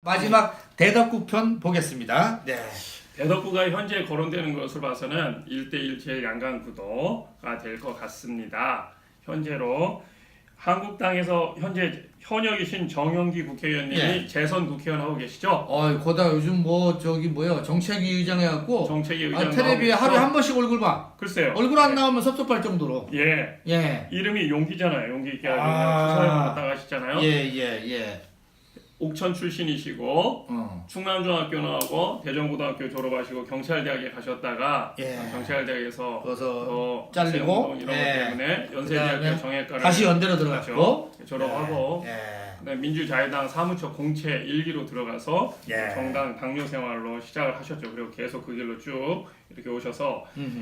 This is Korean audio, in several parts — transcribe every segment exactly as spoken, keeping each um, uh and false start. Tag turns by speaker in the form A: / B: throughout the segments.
A: 마지막 대덕구 편 보겠습니다. 네.
B: 대덕구가 현재 거론되는 것을 봐서는 일 대일 제일양강 구도가 될 것 같습니다. 현재로 한국당에서 현재 현역이신 정영기 국회의원님이
A: 예.
B: 재선 국회의원 하고 계시죠?
A: 어, 거다 요즘 뭐 저기 뭐야 정책위 의장 해갖고
B: 정책위
A: 아,
B: 의장
A: 텔레비에
B: 나오고
A: 하루에
B: 있죠?
A: 한 번씩 얼굴 봐.
B: 글쎄요.
A: 얼굴 안 나오면 섭섭할 정도로.
B: 예.
A: 예.
B: 이름이 용기잖아요. 용기 있게
A: 아.
B: 주사위로 왔다 가시잖아요.
A: 예, 예, 예.
B: 옥천 출신이시고
A: 어.
B: 충남중학교 나오고 대전고등학교 졸업하시고 경찰대학에 가셨다가
A: 예.
B: 경찰대학에서
A: 그래서
B: 어,
A: 잘리고,
B: 학생운동 이런
A: 예.
B: 것 때문에 연세대학교
A: 그다음에
B: 정예과를
A: 다시 연대로 들어갔고
B: 졸업하고
A: 예. 예.
B: 그다음에 민주자유당 사무처 공채 일 기로 들어가서
A: 예.
B: 정당 당뇨 생활로 시작을 하셨죠. 그리고 계속 그 길로 쭉 이렇게 오셔서
A: 음흠.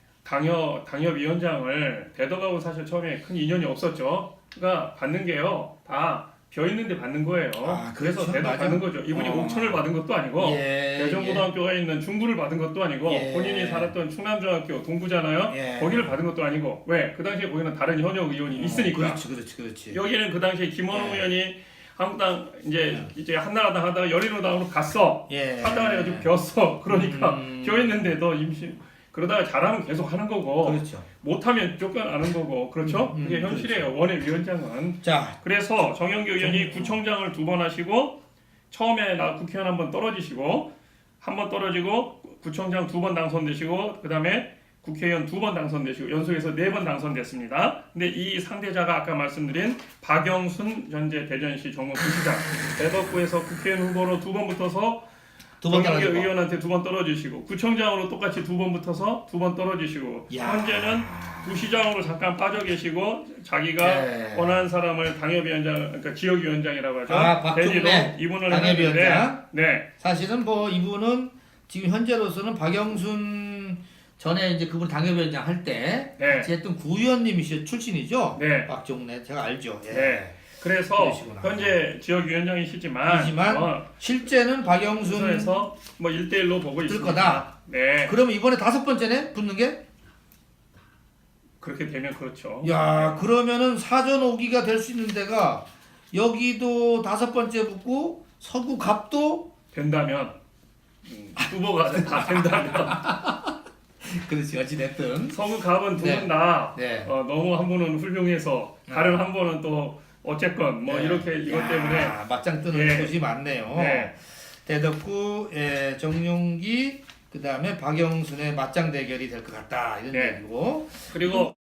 B: 당협 당협위원장을 대덕하고 사실 처음에 큰 인연이 없었죠. 그러니까 받는 게요 다 벼 있는데 받는 거예요.
A: 아,
B: 그래서
A: 그렇죠.
B: 대덕
A: 맞아.
B: 받는 거죠. 이분이
A: 어.
B: 옥천을 받은 것도 아니고
A: 예.
B: 대전고등학교가 있는 중부를 받은 것도 아니고
A: 예.
B: 본인이 살았던 충남중학교 동부잖아요.
A: 예.
B: 거기를 받은 것도 아니고 왜? 그 당시에 거기는 다른 현역 의원이 있으니까.
A: 어, 그렇지, 그렇지, 그렇지.
B: 여기는 그 당시에 김원호
A: 예.
B: 의원이 한국당 이제 이제 한나라당 하다가 열린우당으로 갔어.
A: 예.
B: 하다가 해가지고 벼었어. 그러니까
A: 음.
B: 벼 있는데도 임시 그러다가 잘하면 계속 하는 거고
A: 그렇죠.
B: 못하면 쫓겨나는 거고 그렇죠?
A: 음, 음,
B: 그게 현실이에요. 원외 위원장은.
A: 자,
B: 그래서 정영기 의원이
A: 정-
B: 구청장을 두 번 하시고 처음에 나 국회의원 한 번 떨어지시고 한 번 떨어지고 구청장 두 번 당선되시고 그 다음에 국회의원 두 번 당선되시고 연속해서 네 번 당선됐습니다. 근데 이 상대자가 아까 말씀드린 박영순 현재 대전시 정무부시장 대덕구에서 국회의원 후보로 두 번 붙어서
A: 두번
B: 정영기
A: 떨어지고.
B: 의원한테 두 번 떨어지시고 구청장으로 똑같이 두 번 붙어서 두 번 떨어지시고
A: 야.
B: 현재는 부시장으로 잠깐 빠져 계시고 자기가
A: 네.
B: 원하는 사람을 당협위원장 그러니까 지역위원장이라고 하죠.
A: 아, 박종래
B: 대리로 이분을
A: 당협위원장.
B: 했는데 네.
A: 사실은 뭐 이분은 지금 현재로서는 박영순 전에 이제 그분 당협위원장 할 때
B: 네.
A: 같이 했던 구의원님이시 출신이죠.
B: 네.
A: 박종래 제가 알죠. 예.
B: 네. 그래서
A: 그러시구나.
B: 현재 지역위원장이시지만
A: 이지만
B: 어,
A: 실제는 박영순
B: 순서에서 뭐 일 대 일로 보고
A: 뜰
B: 있습니다.
A: 거다.
B: 네.
A: 그러면 이번에 다섯 번째네 붙는 게?
B: 그렇게 되면 그렇죠.
A: 야, 그러면은 사전 오기가 될 수 있는 데가 여기도 다섯 번째 붙고 서구 갑도
B: 된다면 음, 후보가 다 된다면
A: 그렇지 어찌 됐든
B: 서구 갑은 두
A: 네.
B: 분 다
A: 네.
B: 어, 너무 한 분은 훌륭해서 다른 한 분은 또 어쨌건 뭐
A: 네.
B: 이렇게 이것
A: 야,
B: 때문에
A: 맞짱 뜨는
B: 예.
A: 곳이 많네요.
B: 네.
A: 대덕구 예, 정용기 그 다음에 박영순의 맞짱 대결이 될 것 같다 이런
B: 네.
A: 얘기고
B: 그리고